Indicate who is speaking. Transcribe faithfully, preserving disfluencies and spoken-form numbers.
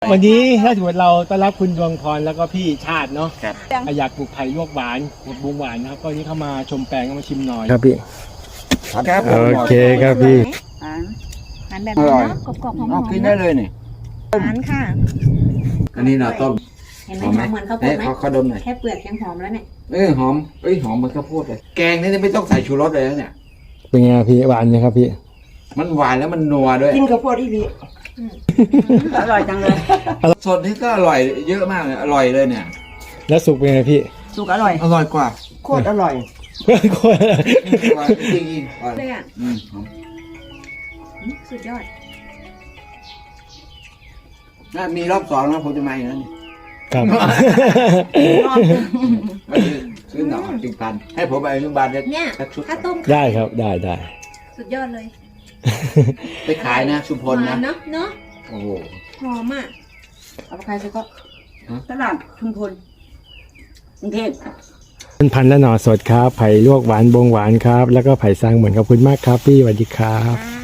Speaker 1: วันนี้ถ้าถือว่าเราต้อนรับคุณดวงพรแล้วก็พี่ชาติเนาะ
Speaker 2: ครับ
Speaker 1: อยากปลูกไผ่ลวกหวานปลูกบุ้งหวานนะครับก็วันนี้เข้ามาชมแปลงก็มาชิมหน่อย
Speaker 3: ครับพี่
Speaker 2: ครับ
Speaker 3: โอเคครับพี่
Speaker 4: หวานหวานแบบนี้เนาะกรอบๆหอม
Speaker 2: เอา
Speaker 4: ๆ
Speaker 2: กินได้เลยนี่
Speaker 4: หวานค่ะ
Speaker 2: อันนี้เราต้ม
Speaker 4: เห็นไหมหอมเหมือนข้าวโพ
Speaker 2: เอ๊ะ
Speaker 4: ดไหม
Speaker 2: เขาเขาดมหน่อย
Speaker 4: แค่เปลือกยังหอมแล้วเนี่ย
Speaker 2: เออหอมเอ้ยหอมเหมือนข้าวโพดเลยแกงนี่ไม่ต้องใส่ชูรสเลยนะเนี่ย
Speaker 3: เป็นไงพี่หวานไหมครับพี่
Speaker 2: มันหวานแล้วมันนัวด้วย
Speaker 5: กินข้าวโพดอีหลีอร่อยจังเลย
Speaker 2: สดนี่ก็อร่อยเยอะมากเลยอร่อยเลยเนี่ย
Speaker 3: แล้วสุกเป็นไงพี่
Speaker 5: สุกอร่อย
Speaker 2: อร่อยกว่า
Speaker 5: โคตรอร่อย
Speaker 2: อร่อยจริงจริงๆอร่อย
Speaker 4: เลยอ่ะ
Speaker 2: อืมหอม
Speaker 4: สุดยอด
Speaker 2: น่ามีรอบสองนะผมจะมาอีกแล้วนี่
Speaker 3: ครับ
Speaker 2: มาซื้อซื้อหน่อจิงพันให้ผมไปโรงพยาบาลเนี่ย
Speaker 4: เนี่ย
Speaker 2: สักชุด
Speaker 4: ถ้าต้ม
Speaker 3: ได้ครับได้ได้
Speaker 4: สุดยอดเลย
Speaker 2: ไปขายนะชุมพล
Speaker 4: หวา
Speaker 2: นะ
Speaker 4: นเนาะเนาะ
Speaker 2: โอ้โห
Speaker 4: หอมอ่ะ
Speaker 5: เอาไปขายซะก็ตลาดชุมพลกรุงเทพ
Speaker 3: เป็นพันธุ์และหน่อสดครับไผ่ลวกหวานบงหวานครับ แล้วก็ไผ่ซางเหมือนขอบคุณมากครับพี่สวัสดีครับ
Speaker 4: อ่า